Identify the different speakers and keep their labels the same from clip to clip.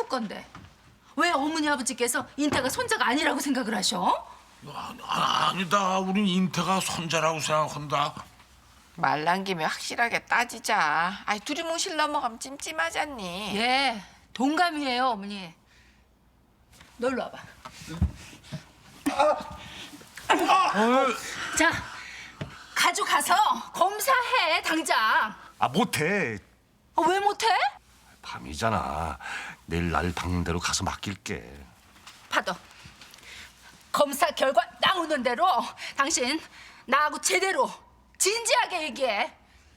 Speaker 1: 건데 왜 어머니 아버지께서 인태가 손자가 아니라고 생각을 하셔?
Speaker 2: 아니다. 우린 인태가 손자라고 생각한다.
Speaker 3: 말 난 김에 확실하게 따지자. 아이 두리뭉실 넘어가면 찜찜하잖니.
Speaker 1: 예, 동감이에요 어머니. 너 일로 와봐. 자, 가져가서 검사해 당장.
Speaker 4: 아 못해.
Speaker 1: 왜 못해?
Speaker 4: 밤이잖아. 내일 날 박는 대로 가서 맡길게.
Speaker 1: 받아. 검사 결과 나오는 대로 당신 나하고 제대로 진지하게 얘기해.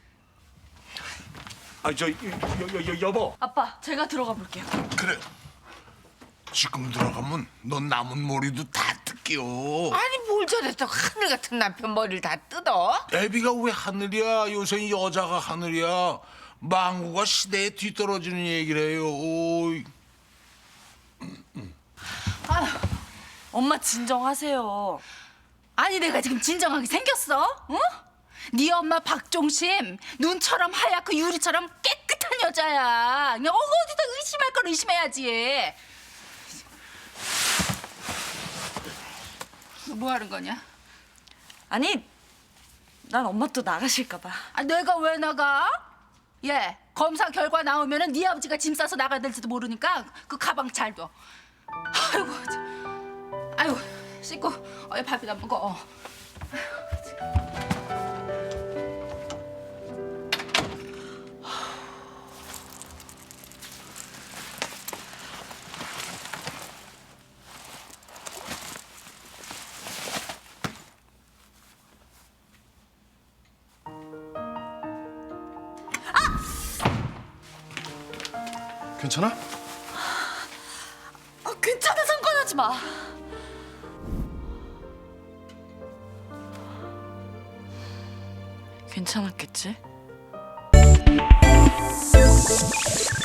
Speaker 4: 여보.
Speaker 5: 아빠, 제가 들어가 볼게요.
Speaker 2: 그래. 지금 들어가면 넌 남은 머리도 다 뜯겨.
Speaker 3: 아니 뭘 저랬어. 하늘 같은 남편 머리를 다 뜯어?
Speaker 2: 애비가 왜 하늘이야? 요새 여자가 하늘이야. 망구가 시대에 뒤떨어지는 얘기를 해요. 오이.
Speaker 5: 엄마 진정하세요.
Speaker 1: 아니 내가 지금 진정하게 생겼어? 어? 네 엄마 박종심 눈처럼 하얗고 유리처럼 깨끗한 여자야. 그냥 어디다 의심할 건 의심해야지. 너 뭐 하는 거냐?
Speaker 5: 아니, 난 엄마 또 나가실까 봐.
Speaker 1: 아, 내가 왜 나가? 예, 검사 결과 나오면은 네 아버지가 짐 싸서 나가야 될지도 모르니까 그 가방 잘 둬. 아이고, 아이고, 씻고 밥이나 먹어.
Speaker 4: 괜찮아?
Speaker 5: 괜찮아, 상관하지 마. 괜찮았겠지?